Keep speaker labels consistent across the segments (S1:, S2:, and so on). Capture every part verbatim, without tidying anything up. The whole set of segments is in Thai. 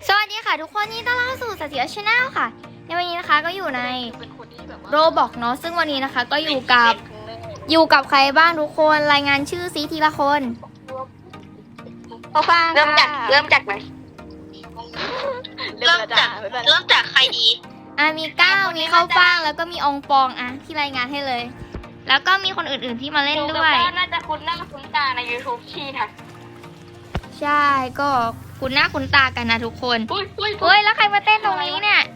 S1: สวัสดีค่ะทุกคนนี่ต้อนรับสู่สติชแนลค่ะในวันนี้นะคะก็อยู่ในโรบอกเนาะซึ่งวันนี้นะคะก็อยู่กับอยู่กับใครบ้างทุกคนรายงานชื่อซีทีละคน
S2: พอฟัง
S3: เริ่มจากเริ่มจากไหน
S2: เริ่มจากเริ่มจากใครดี
S1: อ่ะมีก้าวมีข้าวฟ่างแล้วก็มีองปองอ่ะที่รายงานให้เลยแล้วก็มีคนอื่นๆที่มาเล่นด้วย
S3: น่าจะคุ้นหน้าคุ้นตาใน YouTube ชีนะ
S1: ใช่ก็คุ้นหน้าคุ้นตากันนะทุกคนเฮ้ยแล้วใครมาเต้นตรงนี้เนี่ย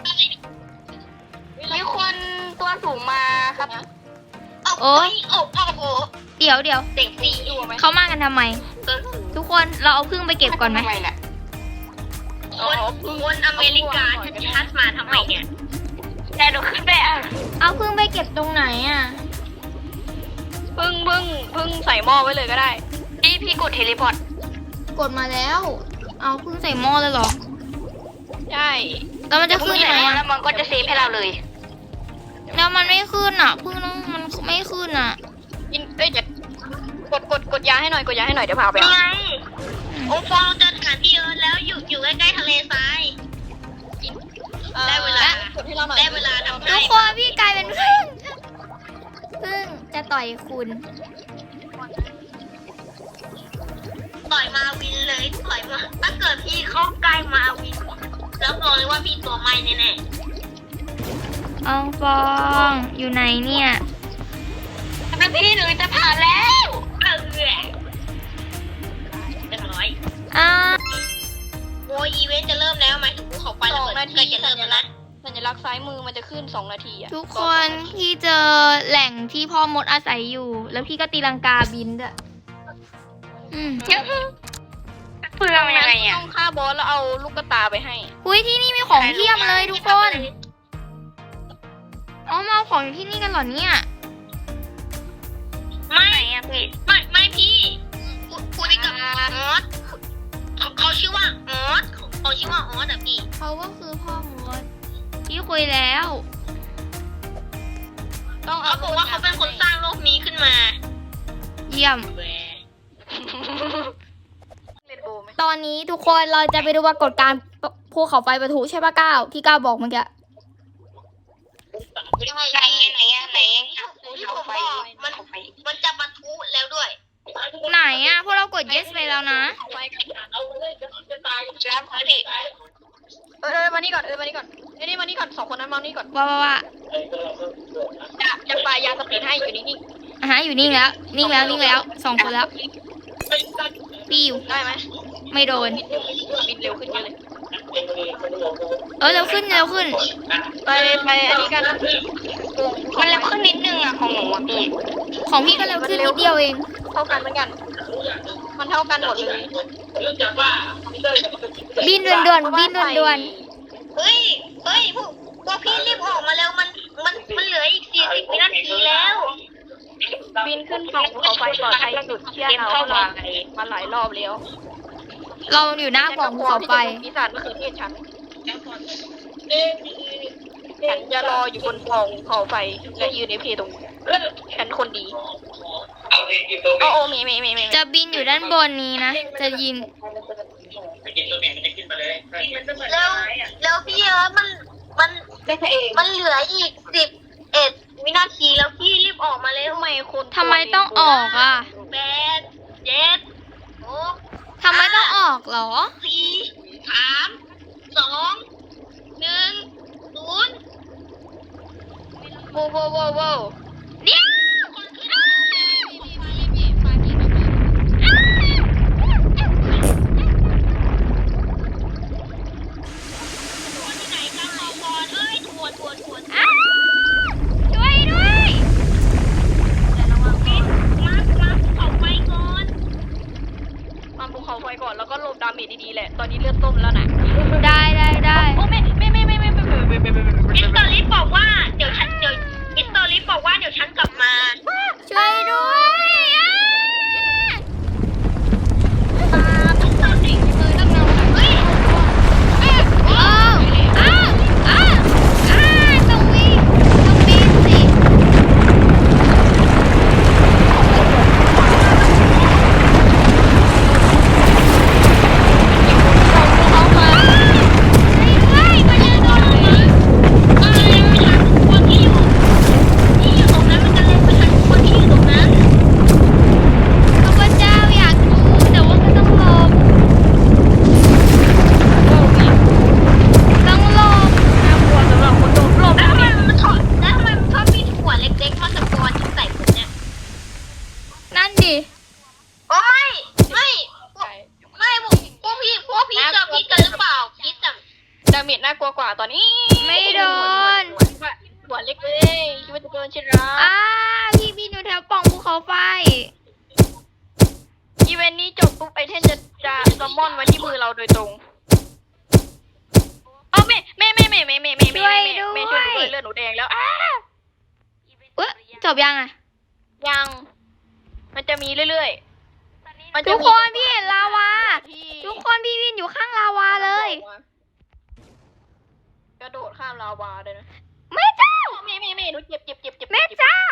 S3: มีคนตัวสูงมาครับ
S1: โอ้
S3: ยโอ้โห
S1: เดี๋ยวเดี๋ยว
S3: เด็กสีอยู่ไหม
S1: เขามากันทำไมทุกคนเราเอาพึ่งไปเก็บก่อนไหม
S3: คนคนอเมริกาชัดมาทำไมเนี่ยแต่ดูขึ้นไปอ่ะ
S1: เอาพึ่งไปเก็บตรงไหนอ่ะ
S2: พึ่งพึ่งพึ่งใส่หม้อไว้เลยก็ได้
S3: พี่พี่กดเทเลพอร์ต
S1: กดมาแล้วเอาพึ่งใส่หม้อเลยเหรอ
S2: ใช่
S1: แล้วมันจะขึ้นไหมอ่ะ
S3: แล้วมันก็จะเซฟให้เราเลย
S1: แล้วมันไม่ขึ้นอ่ะพึ่งมันไม่ขึ้นอ่ะ
S2: กินเอ้ยจะกดกดกดยาให้หน่อยกดยาให้หน่อยเดี๋ยวพาไป
S3: ยังไงองค์ฟองเจอฐานที่เอิร์ธแล้วอยู่อยู่ใกล้ๆทะเลทรายได้เวลาได้เวลาทำ
S1: ทุกคนพี่กลายเป็นพึ่งพึ่งจะต่อยคุณ
S3: ต่อยมาวินเลยต่อยมาถ้าเกิดพี่เข้าใกล้มาวินแล้วบอกเลยว่าพี่ตัวไม่แน่
S1: ๆองฟองอยู่ไหนเนี่ย
S3: เป็นพี่หนูจะผ่านแล้วเออเรียบร้อย
S1: อ่า
S3: โอ้อีเวนต์จะเริ่มแล้วไหมถึงภูเขาไฟระเบิดใกล้จะเริ่มแล้วนะ
S2: สัญลักษณ์ซ้ายมือมันจะขึ้นสองนาทีอ่ะ
S1: ทุกคนพี่เจอแหล่งที่พ่อมดอาศัยอยู่แล้วพี่ก็ตีลังกาบินด้วยอืม
S3: เพื่อยังไงอ่ะ
S2: ต้องฆ่าบอสแล้วเอาลูกกระตาไปให้
S1: อุ้ยที่นี่มีของเพียบเลยทุกคนอ๋อมาเอาของที่นี่กันเหรอเนี่ย
S3: ไม่อะพี่ไม่ไม่พี่คุยกับออสเขาชื่อว่าออสเขาชื่อว่าออสแต่พี่
S1: เขาก็คือพ่อมดพี่คุยแล้ว
S3: ต้องเขาบอกว่าเขาเป็นคนสร้างโลกนี้ขึ้นมา
S1: เยี่ยมตอนนี้ทุกคนเราจะไปดูปรากฏการณ์ภูเขาไฟปะทุใช่ปะก้าวที่ก้าวบอกเมื่อกี้
S3: ไหนไหนไหนภูเขาไฟมันมันจะปะทุแล้วด้วย
S1: ไหนอ่ะพวกเรากด yes ไปแล้วนะ
S2: เออมานี่ก่อนเออมานี่ก่อนเอ้ยนี่มานี่ก่อนสองคนนั้นมานี่ก่อน
S1: ว่าว่าว่า
S2: จะจะปลายาสปีดให้อยู่นิ่ง
S1: ๆอ่ะฮะอยู่นิ่งแล้วนิ่งแล้วนิ่งแล้วสองคนแล้วปิ้ว
S2: ได้ไหม
S1: ไม่โดน
S2: บินเร็วขึ้นเยอะเลย
S1: เออเร็วขึ้นเร็วขึ้น
S2: ไปไปอันนี้กัน
S3: มันเร็วขึ้นนิดนึงอ่ะของหนูอ่ะพี่
S1: ของพี่ก็เร็วขึ้นนิดเดียวเอง
S2: เท่ากันเหมือนกันมันเท่ากันหมดเลย
S1: บินด่วนๆบินด่วน
S3: ๆเฮ้ยเฮ้ยพวกพวกพี่รีบออกมาแล้วมันมันมันเหลืออีกสี่สิบวินาทีแล้ว
S2: บินขึ้นฝั่งภูเขาไฟปลอดภัยสุดเชี่ยเราเรามาหลายรอบแล้ว
S1: เราอยู่หน้าฝั่งภูเขาไฟ
S2: ปีศาจมะเขือเทศฉันฉันจะรออยู่บนฝั่งภูเขาไฟและยืนในเพตรงฉันคนดีโอ้โอ้มีมีมีมี
S1: จะบินอยู่ด้านบนนี้นะจะยิน
S3: แล้วแล้วพี่เออมันมันมันเหลืออีกสิบเอ็ดวินาทีแล้วพี่รีบออกมาเลยทำไมคน
S1: ทำไมต้องออกอ่ะ
S3: แปดเจ็ดหก
S1: ทำไมต้องออกเหรอ
S3: สี่สามสองหนึ่งศูนย์
S2: โว้โว้โว้โว้
S1: เดี๋ยว
S2: ก่อนแล้วก็ลบดาเมจดีๆแหละตอนนี้เลือดต้มแล้วนะ
S1: ได้ได้ได้
S2: โอ้ไม่ไม่ไม่ไม่ไม่ไม่ไม่ไม่ไม่ไม่ไม่
S3: อิสตอรี่บอกว่าเดี๋ยวฉันเดี๋ยวอิสตอรี่บอกว่าเดี๋ยวฉันกลับมา
S1: ช่วยด้วย
S3: ต้องทำสิ่งเลยต้องทำเฮ้ย
S1: อ้าวอ้าวอ้าวอ้าวต้องวิ่งต้องบินสิเขามา
S2: เมจน่ากลัวกว่าตอนนี้
S1: ไม่โดน
S2: หัวเล็กเลยคิดว่าจะโดนใช่ไหม
S1: อ้าพี่บินอยู่แถวปล่องภูเขาไฟ
S2: อีเวนต์นี้จบปุ๊บไอเทนจะจะซัมมอนไว้ที่มือเราโดยตรงเอาแม่แม่แม่แม่แม่แม่แม่แม่แม่แม่ช่วยหนูด้วยเลือดหนูแดงแล้วอ้า
S1: เอ๊ะจบยังอ่ะ
S2: ยัง มันจะมีเรื่อยๆ มันจะ
S1: ทุก
S2: มี
S1: คนพี่เห็นลาวา
S2: ที่
S1: ทุกคนพี่วินอยู่ข้างลาวาเลย
S2: กระโดดข้ามลาวาเลยนะ
S1: แม่เจ้า
S2: แม่แม่แม่หนูเจ็บเจ็บเจ็บเจ็บ
S1: แม่เจ้า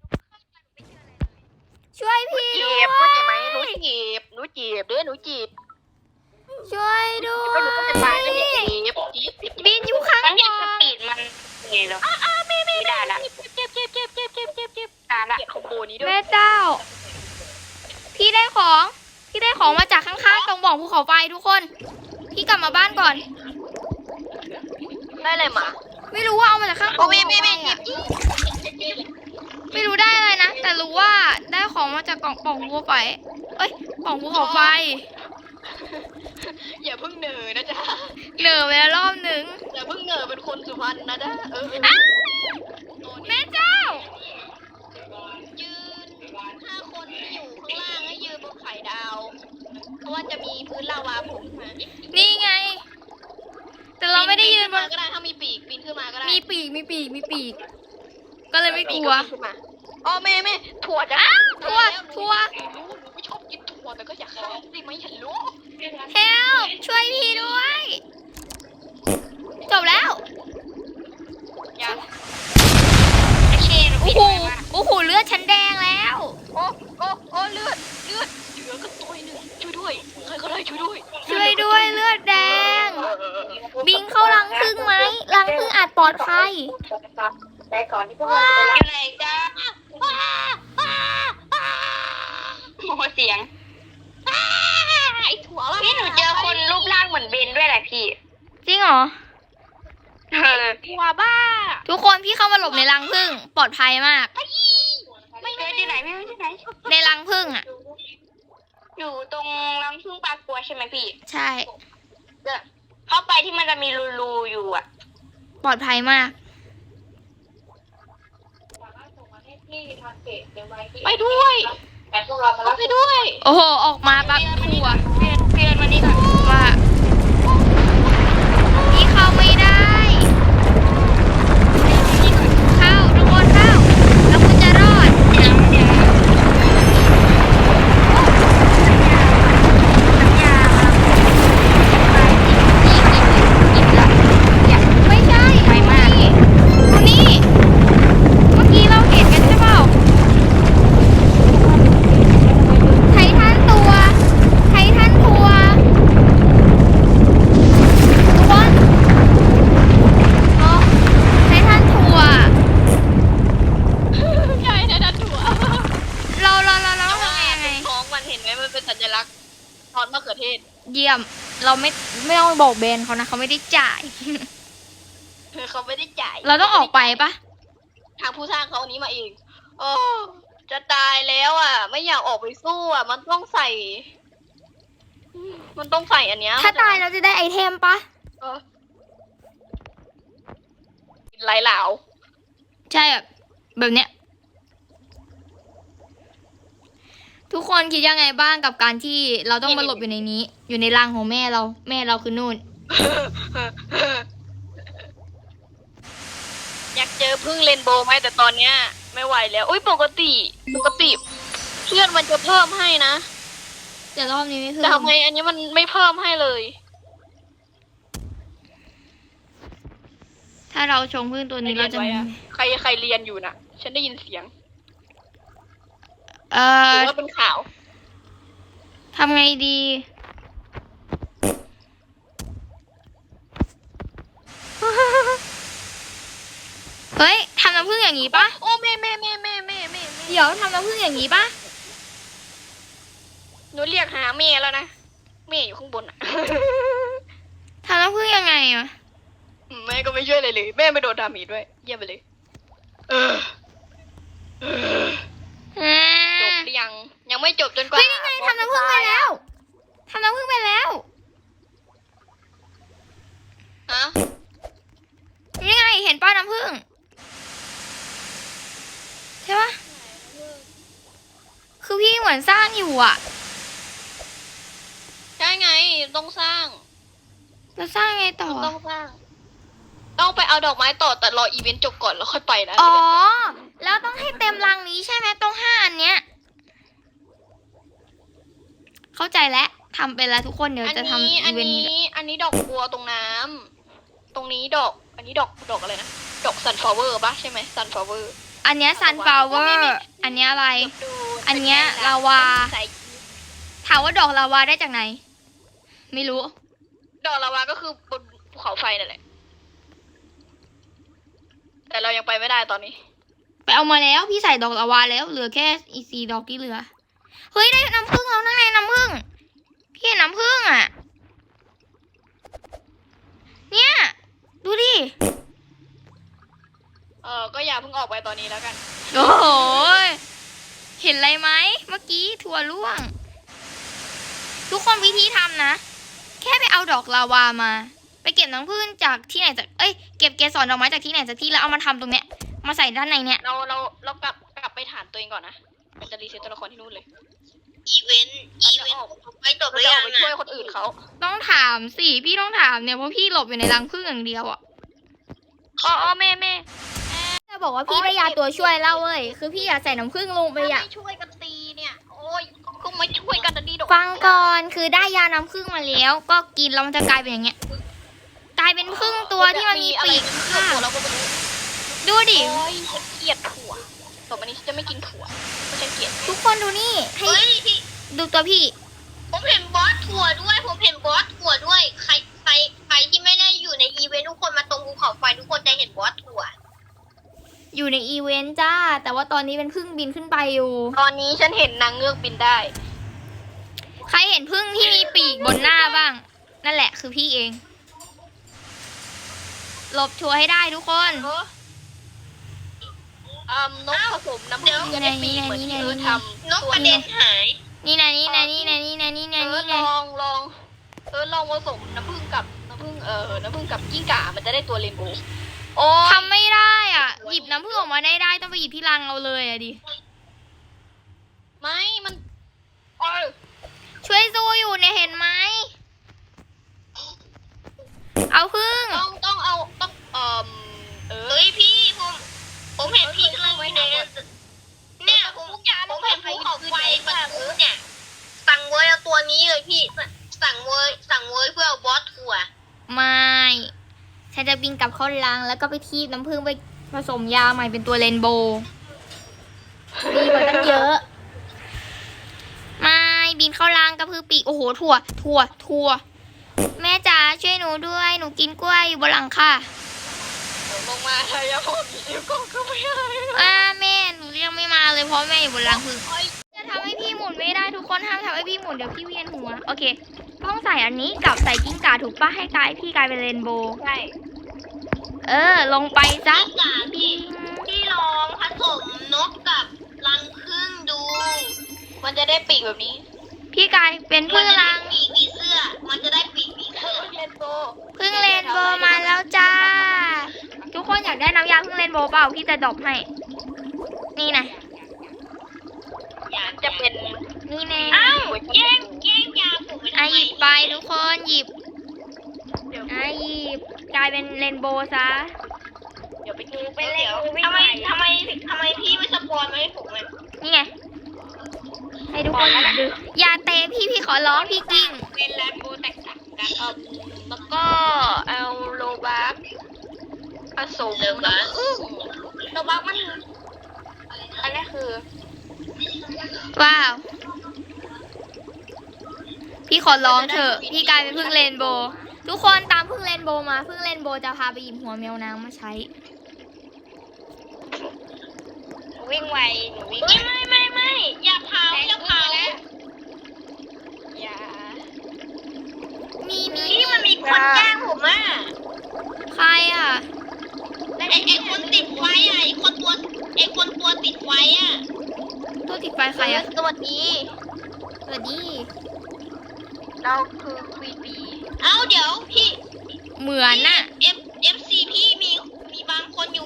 S1: ช่วยพี่ด้
S2: เจ็
S1: วย
S2: บเข้าใจไหมหนูเจ็บหนูเจ็บเด้อหนูเจ็บ
S1: ช่วยด้ว
S2: ก็หนูก็จะตายแล้วเนี่ย
S1: ย
S2: เจ็บเจ็บเจ็บ
S1: บินอยู่ข้าง
S3: มัน
S1: บ
S3: ยังส
S1: น
S3: ปีดมันไงเหรอ
S2: อ้าอ้าแม่แม่
S3: ไม่ได้ละ
S2: เจ็บเจ็บเจ็บเจ็บเจ็บเจ็บเจ็บ
S3: ตายละ
S2: เจ็บคอมโบนี้ด้วย
S1: แม่เจ้า พี่ได้ของ พี่ได้ของมาจากข้างๆตรงบ่องภูเขาไฟทุกคน พี่กลับมาบ้านก่อน
S2: ได้เลยมา
S1: ไม่รู้ว่าเอามาจากข้าง
S2: โอ้
S1: ภู
S2: แม่
S1: เขา
S2: แม่
S1: ไฟ
S2: แม่เจ็
S1: อะ
S2: บอี
S1: ไม่รู้ได้อะไรนะ แต่รู้ว่าได้ของมาจากกล่องป่องภูเขาไฟ เอ้ยป่องภูเขาไฟ
S2: อย่าเพิ่งเหนื่อยนะจ๊ะ
S1: เหนื่อยไปแล้วรอบหนึ่ง
S2: อย่าเพิ่งเหนื่อยเป็นคนสุพรรณนะจ๊ะเออ
S1: อ้าวแม่เจ้า
S2: ยืนห้าคนที่อยู่ข้างล่างให้ยืนบนไข่ดาว เพราะว่าจะมีพื้นลาวาโผล่ขึ้นมา
S1: นี่ไง แต่เราไม่ได้ยืนบ
S2: ปีขึ้มาน ก็ได้ถ้ามีปีกปีนขึ้นมาก็ได้
S1: มีปีก มีปีก มีปีก ก็เลยไม่กลัว
S2: ปีปีนขึ้นมาอ๋อแม่แม่ถั่วจ้ะ
S1: อ้าวถั่วถั่ว
S2: หนูรู้หนูไม่ชอบกินถั่วแต่ก็อยากให้สิไม่เห็นรู้
S1: เฮลช่วยพี่ด้วย จบแล้ว
S2: ยัง
S3: ไอเชน
S1: โอ้
S3: พี่
S1: โห
S3: ด้วยว่า
S1: โอ้โห เลือดฉันแดงแล้ว
S2: โอ้โอ้โอ้เลือดเลือดเหลือก็ตัวหนึ่งช่วยด้วยใครก็ได้ช่วยด้วย
S1: ช่วยด้วยเลือดแดง บิงเข้ารังผึ้งไหมรังผึ้งอาจปลอดภัย
S3: แต่ก่อนที่พวกเราจะอยู่ไหนจ้าโมโหเสียง
S2: ไอ้ถั่วละ
S3: พี่หนูเจอคนรูปร่างเหมือนเบนด้วยแหละพี่
S1: จริงเหรอ
S3: เออ
S2: ถั่วบ้า
S1: ทุกคนพี่เข้ามาหลบในรังผึ้งปลอดภัยมาก
S3: ไม่เจอที่ไหนไม่รู้ที่ไหน
S1: ในรังผึ้งอ่ะ
S3: อยู่ตรงรังพึ่งปลากลัวใช่ไหมพี่
S1: ใช่
S3: เดี๋ยวเข้าไปที่มันจะมีรูๆอยู่อ่ะ
S1: ปลอดภัยมาก
S2: ไปด้วยไปด้วย
S1: โอ้โห ออกมาปั๊บทัว
S3: เพียนเพียนมานี่ก่อน
S1: ว่าพี่เข้าไม่ได้ เข้าทุกคนเข้า แล้วคุณจะรอด
S3: เดี๋ยวเดี๋ยวน้ำยาไปอีกอีกละอยาก
S1: ไม่ใช่
S3: ไปมาก
S1: นี่ดูนี่ เมื่อกี้เราเห็นกันใช่เปล่า ไททันตัว ไททันทัวร์ทุกคนเนาะไททันทัวร์
S2: ใช่นะถั่ว
S1: เราเราเราเราทำยังไง
S2: ท้องมันเห็นไหมมันเป็นสัญลักษณ์ทอดมะเขือเทศ
S1: เยี่ยม เราไม่ไม่ต้องบอกเบนเขานะเขาไม่ได้จ่าย
S2: เขาไม่ได้จ่าย
S1: เราต้องออกไปปะ
S2: ทางผู้สร้างเขาอันนี้มาเองโอ้จะตายแล้วอ่ะ ไม่อยากออกไปสู้อ่ะ มันต้องใส่ มันต้องใส่อันเนี้ย
S1: ถ้าตายเราจะได้ไอเทมปะ
S2: เออไหลเหลา
S1: ใช่แบบแบบเนี้ย ทุกคนคิดยังไงบ้างกับการที่เราต้องมาหลบอยู่ในนี้ อยู่ในรังของแม่เรา แม่เราคือนู่น
S2: อยากเจอพึ่งเรนโบว์ไหมแต่ตอนเนี้ย ไม่ไหวแล้วอุ้ยปกติ ปกติเพื่อนมันจะเพิ่มให้นะ
S1: แต่รอบนี้ไม่เพิ่
S2: แต่
S1: ม
S2: ทำไมอันนี้มันไม่เพิ่มให้เลย
S1: ถ้าเราชงพึ่งตัวนี้เราจะ
S2: ไว้อะใครใครเรียนอยู่น่ะ ฉันได้ยินเสียง
S1: เอ
S2: ห
S1: อ
S2: รือว่าเป็นข่าว
S1: ทำไงดี เฮ้ยทำน้ำผึ้งอย่างนี้ปะ
S2: โอ้แม่แม่แม่แม่แม่แม่แม่
S1: เดี๋ยวทำน้ำผึ้งอย่างนี้ปะ
S2: หนูเรียกหาแม่แล้วนะแม่อยู่ข้างบนอ่ะ
S1: ทำน้ำผึ้งยังไงอะ
S2: อืมแม่ก็ไม่ช่วยเลยเลย แม่ไม่โดนดามีด้วย เยี่ยมไปเลย เออเออ
S1: อ่า
S2: จบหรือยัง ยังไม่จบจนกว่า
S1: เฮ้ยนี่ไงทำน้ำผึ้งไปแล้วทำน้ำผึ้งไปแล้ว
S2: ฮะ
S1: น้ำผึ้งใช่ปะคือพี่เหมือนสร้างอยู่อ่ะ
S2: ใช่ไงต้องสร้าง
S1: แล้วสร้างไงต่อ
S2: ต้องสร้าง ต้องไปเอาดอกไม้ต่อแต่รออีเวนต์จบก่อนแล้วค่อยไปนะ
S1: อ๋อ แล้วต้องให้เต็มรังนี้ใช่ไหมต้องห้าอันเนี้ย เข้าใจแล้วทำไปแล้วทุกคนเดี๋ยว
S2: อัน
S1: จะทำ
S2: นี้
S1: อี
S2: อัน
S1: เวนต์
S2: นี้
S1: นี้
S2: อันนี้ดอกบัวตรงน้ำตรงนี้ดอก อันนี้ดอกดอกอะไรนะดอกซันฟลาวเวอร์ปะใช่ไหมซันฟลาวเวอร์
S1: อันเนี้ยซันฟลาวเวอร์ อันเนี้ยอะไร อันเนี้ยลาวา ถามว่าดอกลาวาได้จากไหน ไม่รู้
S2: ดอกลาวาก็คือบนภูเขาไฟนั่นแหละ แต่เรายังไปไม่ได้ตอนนี้
S1: ไปเอามาแล้วพี่ใส่ดอกลาวาแล้วเหลือแค่อีกสี่ดอกที่เหลือ เฮ้ยได้น้ำผึ้งแล้วนั่นไงน้ำผึ้งพี่เห็นน้ำผึ้งอ่ะ เนี่ยดูดิ
S2: เออก็อย่าเพิ่งออกไปตอนนี้แล้วกัน
S1: โอ้โหเห็นอะไรไหมเมื่อกี้ถั่วร่วง ทุกคนวิธีทำนะ แค่ไปเอาดอกลาวามา ไปเก็บน้ำผึ้งจากที่ไหนจากเอ้ยเก็บเกสรดอกไม้จากที่ไหนจากที่แล้วเอามาทำตรงเนี้ยมาใส่ด้านในเนี้ย
S2: เราเราเรากลับกลับไปฐานตัวเองก่อนนะมันจะรีเซ็ตตัวละครที่นู่นเลย
S3: อีเวนต์อีเวนต์ไปจบห
S2: เรา
S3: รือ
S2: จะอ
S3: ยั
S2: อก
S3: ง
S2: ไปช่วย
S3: อ่ะ
S2: คนอื่นเขา
S1: ต้องถามสิพี่ต้องถามเนี่ยเพราะพี่หลบอยู่ในรังผึ้งอย่างเดียวอ่ะ
S2: อ๋ออ๋อแม่แม่
S1: จะบอกว่าพี่ได้ยาตัวช่วยเล่าเว้ยคือพี่อยากใส่น้ำผึ้งลงไปอ่ะ
S2: ไม่ช่วยกันตีเนี่ย โอ้ยก็ไม่ช่วยกันนะดีดอก
S1: ฟังก่อนคือได้ยาน้ำผึ้งมาแล้ว ก็กินแล้วมันจะกลายเป็นอย่างเงี้ย กลายเป็นผึ้งตัวที่มันมีปีก
S2: ค่ะ
S1: ค่ะ
S2: เราก็ไม่รู้
S1: ดูดิ
S2: โอ้ยฉันเกลียดถั่วต่อไปนี้ฉันจะไม่กินถั่วเพราะฉันเกลียด
S1: ทุกคนดูนี่ให้
S3: เฮ้ยพี่
S1: ดูตัวพี่
S3: ผมเห็นบอสถั่วด้วย ผมเห็นบอสถั่วด้วย ใครใครใครที่ไม่ได้อยู่ในอีเวนต์ทุกคนมาตรงภูเขาไฟทุกคนจะเห็นบอสถั่ว
S1: อยู่ในอีเวนต์จ้า แต่ว่าตอนนี้เป็นผึ้งบินขึ้นไปอยู่
S2: ตอนนี้ฉันเห็นนางเงือกบินได้
S1: ใครเห็นผึ้งที่มีปีกบนหน้าบ้าง นั่นแหละคือพี่เอง หลบชัวร์ให้ได้ทุกคน
S2: เอออืมนกผสมน้ำผึ้งจะได้ปีกเหมือนที่เออทำ
S3: นกกระเด็นหาย
S1: นี่นะนี่นะนี่นะนี่นะนี่
S2: เอ
S1: นะ
S2: อ
S1: นี่
S2: ล
S1: นะ
S2: องลองเออลองผสมน้ำผึ้งกับน้ำผึ้งเออน้ำผึ้งกับกิ้งก่ามันจะได้ตัวเรนโบว์โอ้ย
S1: ทำไม่ได้อ่ะ หยิบน้ำผึ้งออกมาได้ได้ต้องไปหยิบที่รังเอาเลยอะดิ
S2: ไม่มันโอ้ย
S1: ช่วยสู้อยู่เนี่ยเห็นไหม เอาผึ้ง
S2: ต้องต้องเอาต้องเอ่อเออ
S3: เฮ้ยพี่ผมผมเห็นพี่กำลังอยู่ในเนี่ยผมผมเห็นภูเขาไฟประตูเนี่ย สั่งเวยเอาตัวนี้เลยพี่ สั่งเวยสั่งเวยเพื่อเอาบอสถั่ว
S1: ไม่ฉันจะบินกลับเข้ารังแล้วก็ไปทีบน้ำผึ้งไปผสมยาใหม่เป็นตัวเรนโบว์ดีกว่าตั้งเยอะ ไม่บินเข้ารังกระพือปีกโอ้โหถั่วถั่วถั่วแม่จ๋าช่วยหนูด้วยหนูกินกล้วยอยู่บนหลังค่ะ
S2: เดี๋ยวลงมาเลยอย่าบอกเดี๋ยวก็ก็ไม่ได้
S1: อ่าแม่หนูเรียกไม่มาเลยเพราะแม่อยู่บนรังผึ้ง
S2: โอ้ย
S1: จะทำให้พี่หมุนไม่ได้ทุกคนห้ามทำให้พี่หมุนเดี๋ยวพี่เวียนหัวโอเคต้องใส่อันนี้กับใส่กิ้งก่าถูกปะให้กลายพี่กลายเป็นเรนโบว์
S2: ใช่
S1: เออลงไปซะ
S3: พี่จ๋าพี่พี่ลองผสมนกกับรังผึ้งดู
S2: มันจะได้ปีกแบบนี้
S1: พี่กลายเป็น
S3: มั
S1: พึ่
S3: น
S1: ง
S3: จะได้
S1: รัง
S3: ปีกผีเสื้อ มันจะได้ปีกผีเสื้อ
S2: เรนโบว์
S1: พึ่งเรนโบว์มาแล้วจ้า ทุกคนอยากได้น้ำยาพึ่งเรนโบว์เปล่าพี่จะดรอปให้ นี่นะ
S3: อยาก
S2: จะเป็น
S1: นี่แน่
S3: อ้าวแย่งแย่งยาผมไป
S1: อ่ะ
S3: ทำ
S1: ห
S3: ไม
S1: ยิบไปทุกคนหยิบ
S2: เดี๋ยว
S1: อ่ะหยิบกลายเป็นเรนโบว์ซะ
S2: เดี๋ยวไปดูไป
S3: เดี๋
S2: เล่
S3: ยว
S2: น
S3: ทำไมทำไมทำไมพี่ไม่สปอนมาให้ผมเลย
S1: นี่ไงให้ทุกคนดูอย่าเตะพี่พี่ขอร้องพี่กิ้ง
S3: เป็นแลมโบแตกต่างกัน
S2: เอ่อแล้วก็เอาโลบัคผสม
S3: โลบัค
S2: น้ำผึ้งโลบัคมันอันนี้คือ
S1: ว้าว พี่ขอร้องเถอะ พี่กลายเป็นพึ่งเรนโบว์ทุกคนตามพึ่งเรนโบว์มาพึ่งเรนโบว์จะพาไปหยิบหัวแมวน้ำมาใช้
S2: วิ่งไวหนูวิ่ง
S3: เฮ้ยไม่ไม่ไม่อย่าเผาอย่าเผา
S2: อย่า
S1: มีมี
S3: พี่มันมีคนแกล้งผมอ่ะ
S1: ใครอ่ะ
S3: ไอไอคนติดไฟอ่ะไอคนตัวไอคนตัวติดไฟอ่ะ
S1: ตัวติดไฟใครอ่ะ
S2: สวัสดี
S1: สวัสดี
S2: เราคือควีบี
S3: เอ้าเดี๋ยวพี่
S1: เหมือนน่ะ
S3: เอฟเอฟซีพี่มีมีบางคนอยู่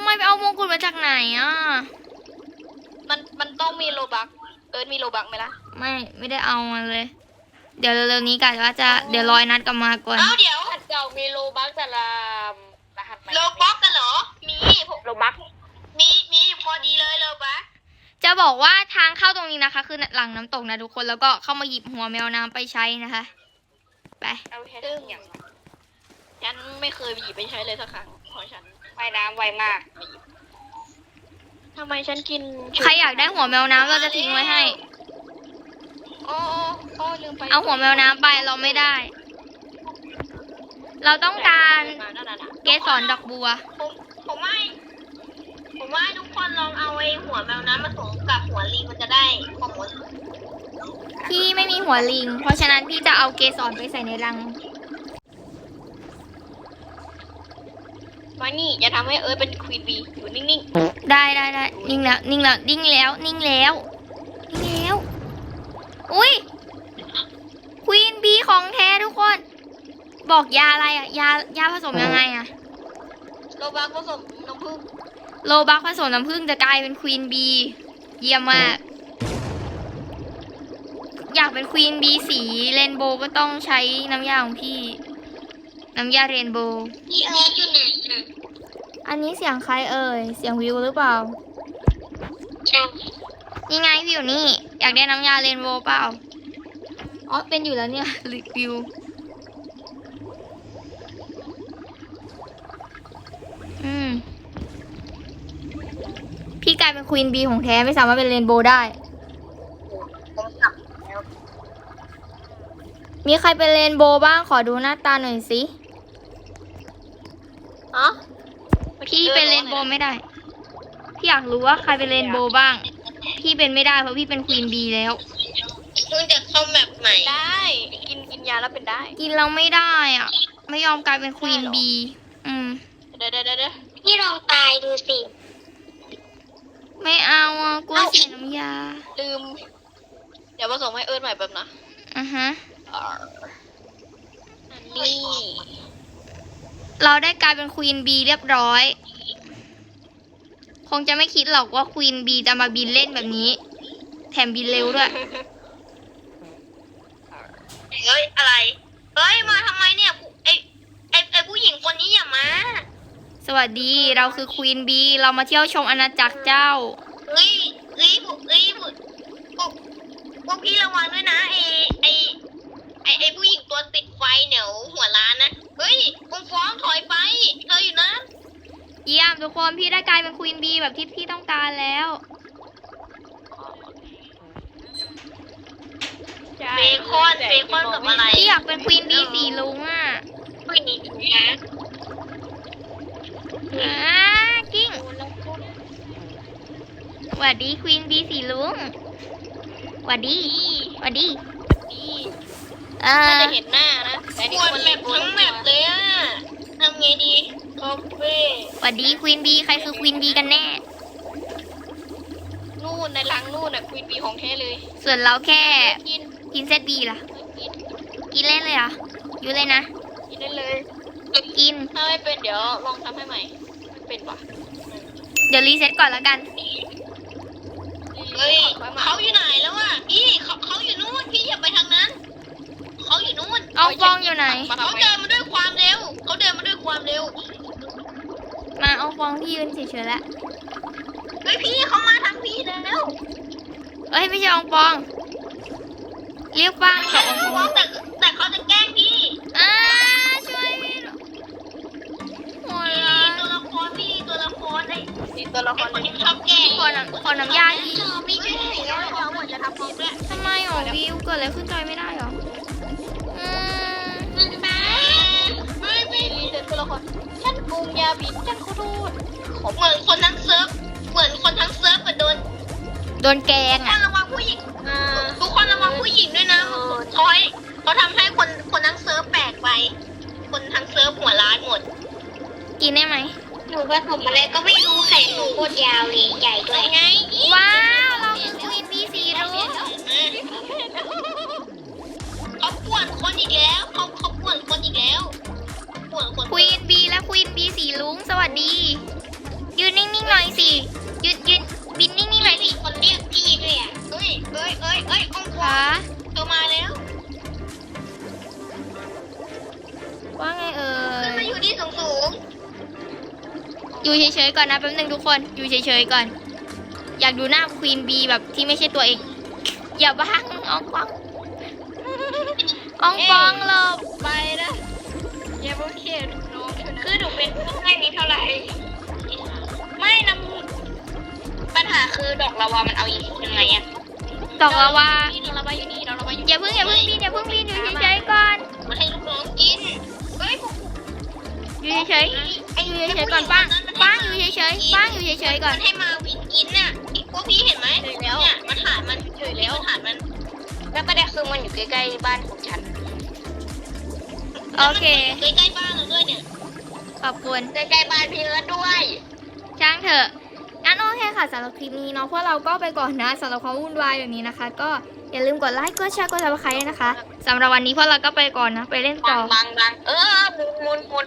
S1: มไปเอามงกุฎมาจากไหนอ่ะ
S2: มันมันต้องมีโลบักเอิร์ธมีโลบักไหมล่ะ
S1: ไม่ไม่ได้เอามันเลย เดี๋ยวเร็วๆนี้กะว่าจะเดี๋ยวรอยนัดกลับมาก่อน
S3: เอ้าเดี๋ยว
S2: รหัสเก่ามีโลบักแต่ละรหัสใหม่
S3: โลบ็อกกันเหรอ มีผม
S2: โลบัก
S3: มีมีอยู่พอดีเลยโลบ็อก
S1: จะบอกว่าทางเข้าตรงนี้นะคะ คือหลังน้ำตกนะทุกคนแล้วก็เข้ามาหยิบหัวแมวน้ำไปใช้นะคะ ไป
S2: เอาแค่ซึ่งอย่างฉันไม่เคยหยิบไปใช้เลยสักครั้งเพราะฉันว่ายน้ำไวมากทำไมฉันกิน
S1: ใครอยากได้หัวแมวน้ำเราจะทิ้งไว้ให้
S2: โอ้โอ้ลืมไป
S1: เอาหัวแมวน้ำไปเราไม่ได้ เราต้องการ
S2: มานั่นน่ะ
S1: เกสรดอกบัว
S3: ผมผมว่าผมว่าทุกคนลองเอาไอ้หัวแมวน้ำมาผสมกับหัวลิงมันจะได้ข้อมูล
S1: พี่ไม่มีหัวลิง เพราะฉะนั้นพี่จะเอาเกสรไปใส่ในรัง
S2: มานี่อย่าทำให้เอิร์ธเป็นควีนบีอยู่นิ่ง
S1: ได้ได้ได้นิ่งแล้วนิ่งแล้วนิ่งแล้วนิ่งแล้วนิ่งแล้วอุ้ยควีนบีของแท้ทุกคน บอกยาอะไรอ่ะ ยายาผสมยังไงอ่ะ
S2: ๆโลบักผสมน้ำผึ้ง
S1: โลบักผสมน้ำผึ้งจะกลายเป็นควีนบีเยี่ยมมาก อยากเป็นควีนบีสีเรนโบว์ก็ต้องใช้น้ำยาของพี่ น้ำยาเรนโบว์
S3: พี่เอิร์ธอยู่ไหนนะ
S1: อันนี้เสียงใครเอ่ย เสียงวิวหรือเปล่า
S3: ใช่
S1: นี่ไงพี่อยู่นี่ อยากได้น้ำยาเรนโบว์เปล่า อ๋อ เป็นอยู่แล้วเนี่ย รีวิว อืม พี่กลายเป็นควีนบีของแท้ไม่สามารถเป็นเรนโบว์ได้
S3: ผมกลับแล้ว
S1: มีใครเป็นเรนโบว์บ้างขอดูหน้าตาหน่อยสิ
S2: อ๋อ
S1: พี่เป็นเรนโบว์ไม่ได้ พี่อยากรู้ว่าใครเป็นเรนโบว์บ้าง พี่เป็นไม่ได้เพราะพี่เป็นควีนบีแล้ว
S3: เพิ่งจะเข้าแมปใหม่
S2: ได้กินกินยาแล้วเป็นได้
S1: กินเราไม่ได้อ่ะ ไม่ยอมกลายเป็นควีนบี อืม
S2: เดี๋ยวเดี๋ยวเดี๋ยว
S3: พี่ลองตายดูสิ
S1: ไม่เอาอ่ะกลัวเสียน้ำยา
S2: ลืม เดี๋ยวผสมให้เอิร์ธใหม่แบบนะ
S1: อือฮะ
S2: อันนี้
S1: เราได้กลายเป็นควีนบีเรียบร้อย คงจะไม่คิดหรอกว่าควีนบีจะมาบินเล่นแบบนี้ แถมบินเร็วด้วย
S3: เฮ้ยอะไร เฮ้ยมาทำไมเนี่ยไอไอไอผู้หญิงคนนี้อย่ามา
S1: สวัสดีเราคือควีนบีเรามาเที่ยวชมอาณาจักรเจ้า
S3: เฮ้ยเฮ้ยพวกเฮ้ยพวกพวกพวกพี่ระวังด้วยนะไอไอไอไอผู้หญิงตัวติดไฟเหนียวหัวล้านนะเฮ้ยองฟ้องถอยไปเธออยู่นะ
S1: เยี่ยมทุกคนพี่ได้กลายเป็นควีนบีแบบที่พี่ต้องการแล้ว
S3: เบคอนเบคอนกับอะไร
S1: พี่อยากเป็นควีนบีสีลุงอ่ะ
S3: ผู้หญิงนะ
S1: อ่ากิ้งสวัสดีควีนบีสีลุงสวัสดีสวัสดี
S2: นี่
S1: เอ
S2: น่า
S1: อ
S2: จะเห็นหน้านะแต่
S3: ป
S2: นี่
S3: วด
S2: คน
S3: แม
S2: เล่น
S3: ป
S2: โบ
S3: ทั้งแมปเลยอ่ะทำไงดีคอฟเฟ่
S1: สวัสดีควีนบีใครคือควีนบีกันแน่
S2: นู่นในรังนู่นน่ะควีนบีของแท้เลย
S1: ส่วนเราแค่
S2: กิน
S1: กินเซตบีล่ะ
S2: กิน
S1: กินเล่นเลยเหรออยู่เลยนะ
S2: กินได้เลย
S1: กิน
S2: ถ้าไม่เป็นเดี๋ยวลองทำให้ใหม่ไม่เป็นปะ
S1: เดี๋ยวรีเซ็ตก่อนแล้วกัน
S3: เฮ้ยเขาอยู่ไหนแล้วอ่ะพี่เขาเขาอยู่นู่นพี่อย่าไปทางนั้นเขาอยู่นู่น
S1: เอาฟองอยู่ไหน
S3: เขาเดินมาด้วยความเร็วเขาเดินมาด้วยความเร็ว
S1: มาเอาฟองพี่ยืนเฉยๆแล้ว
S3: เฮ้ยพี่เขามาทางพี่แล้ว
S1: เอ้ยไม่ใช่อองฟอง เรียกป้างกับอองฟอง
S3: แต่แต่เขาจะแกล้งพี่
S1: อ่าช่วยพี่หน่อยหัว
S3: พี่
S1: เราะ
S3: ตัวละครพี่ตัวละครไอ้
S2: นี่ตัวละค
S3: ไอ้
S2: ร
S3: คนที่ชอบแกล้ง
S1: ขอน้ำขอน้ำยาที
S3: ไม่ใช่แล้วเขาหมดจะทำฟองด้วย
S1: ทำไมหรอวิวเกิดอะไรขึ้นจอยไม่ได้หรออืม
S3: แม่ไม่ไม่
S2: นี่เด็กตัวละครฉันปรุงยาผิดฉันขอโทษ
S3: เหมือนคนทั้งเซิร์ฟเหมือนคนทั้งเซิร์ฟเหมือนโดน
S1: โดนแกง
S3: ทุกค
S1: อ่ะ
S3: นระวังผู้หญิง
S2: อ่า
S3: ทุกคนระวังผู้หญิงด้วยนะเขาให้เขาทำให้คนคนทั้งเซิร์ฟแปลกไป คนทั้งเซิร์ฟหัวร้านหมด
S1: กินได้ไหม
S3: หนูผสมอะไรก็ไม่รู้แขนหนูโคตรยาวเลยใหญ่ด้วยไง
S1: ว้าวเราคือควีนบีสีรุ้ง
S3: เขาป่วนคนอีกแล้วเขาเขาป่วนคนอีกแล้วป่วนคน
S1: ควีนบีและควีนบีสีลุงสวัสดี ยืนนิ่งๆหน่อยสิยืนยืนบินนิ่งๆหน่อยสิ
S3: มีคนเรียกพี่ด้วยอ่ะเอ้ยเอ้ยเอ้ยเอ้ยองค์ก
S1: คะ
S3: รเธอมาแล้ว
S1: ว่าไงเอ่
S3: ขึ้นมาย อยู่ที่สูงสูง
S1: อยู่เฉยๆก่อนนะแป๊บนึงทุกคนอยู่เฉยๆก่อน อยากดูหน้าควีนบีแบบที่ไม่ใช่ตัวเองอย่าบ้างอองปองอองปองหลบ
S2: ไปนะอย่าเพิ่งเขียนน้องคือหนูเป็นผู้ให้นี้เท่าไหร่ ไม่นำปัญหาคือดอกลาวามันเอาอีกยังไงอะ
S1: ตอกลาวา
S2: ดอกลาวาอยู่นี่ดอกลาวาอยู่
S1: อย่าเพิ่งอย่าเพิ่งบินอย่าเพิ่งบินอยู่เฉยๆก่อน
S3: ๆมาให้ลูกน้องกินเฮ้ยพวก
S1: อยู่เฉยๆอยู่เฉยๆก่อนป้างป้างอยู่เฉยๆป้างอยู่เฉยๆก่อน
S3: มันให้มาวินกินน่ะไอ้พวกพี่เห็นไหมเนี่ยมันฐานมันเฉยแล้วฐานมัน
S2: แล้วประเด็นคือมันอยู่ใกล้ๆบ้านของฉัน
S1: โอเค
S3: ใกล้ๆบ้านเราด้วยเนี่ย
S1: ขอบคุณ
S2: ใกล้ๆบ้านพี่เอิร์ธด้วย
S1: ช่างเถอะงั้นโอเคค่ะสำหรับคลิปนี้เนาะพวกเราก็ไปก่อนนะสำหรับความวุ่นวายแบบนี้นะคะ ก็อย่าลืมกดไลค์กดแชร์กดซับสไครต์นะคะสำหรับวันนี้พวกเราก็ไปก่อนนะไปเล่นต่
S2: บั
S1: อ
S2: งบังบังเออหมุนหมุนหมุน